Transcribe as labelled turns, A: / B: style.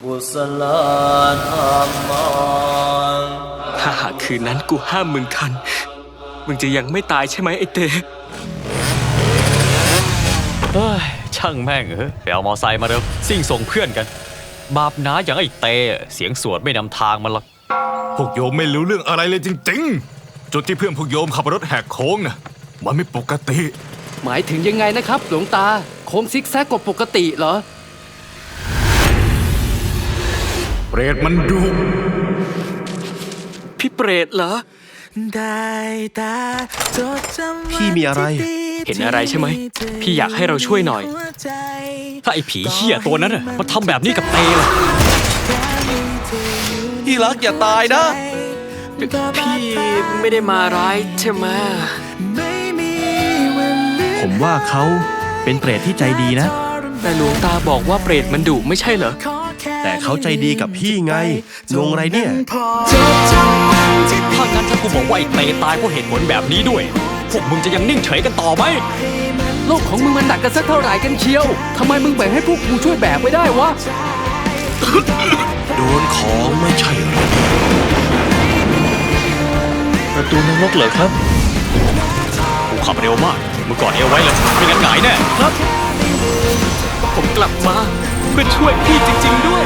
A: กุศลธรรมัง
B: ถ้าหากคืนนั้นกูห้ามมึงทันมึงจะยังไม่ตายใช่ไหมไอ้เต้
C: เฮ้ยช่างแม่งไปเอามอไซค์มาเร็วซิ่งส่งเพื่อนกันบาปหนาอย่างไอ้เตเสียงสวดไม่นำทางมันหรอก
D: พวกโยมไม่รู้เรื่องอะไรเลยจริงๆจุดที่เพื่อนพวกโยมขับรถแหกโค้งน่ะมันไม่ปกติ
E: หมายถึงยังไงนะครับหลวงตาโค้งซิกแซกกว่าปกติเหรอ
D: เปรตมันดุ
B: พี่เปรตเหรอ
F: พี่มีอะไร
B: เห็นอะไรใช่ไหมพี่อยากให้เราช่วยหน่อย
C: ถ้าไอ้ผีเหี้ยตัวนั้นน่ะมันทำแบบนี้กับเตล่ะ
F: พี่รักอย่าตายนะ
B: พี่ไม่ได้มาร้ายใช่ไหม
F: ผมว่าเขาเป็นเปรตที่ใจดีนะ
B: แต่หลวงตาบอกว่าเปรตมันดุไม่ใช่เหรอ
F: แต่เขาใจดีกับพี่ไงงงอะไรเนี่ย
C: ถ้างั้นถ้ากูบอกว่าไอ้เตตายเพราะเหตุผลแบบนี้ด้วยพวกมึงจะยังนิ่งเฉยกันต่อไหม
E: โลกของมึงมันหนักกันสักเท่าไหร่กันเชียวทำไมมึงแบ่งให้พวกกูช่วยแบกไม่ได้วะ
F: โดนของไม่ใช่หรอ
B: ประตูนรกเหรอครับ
C: กูขับเร็วมากมึงกอดเอวไว้เลยไม่งั้นหงายแน่ครับ
B: ผมกลับมาเพื่อช่วยพี่จริงๆด้วย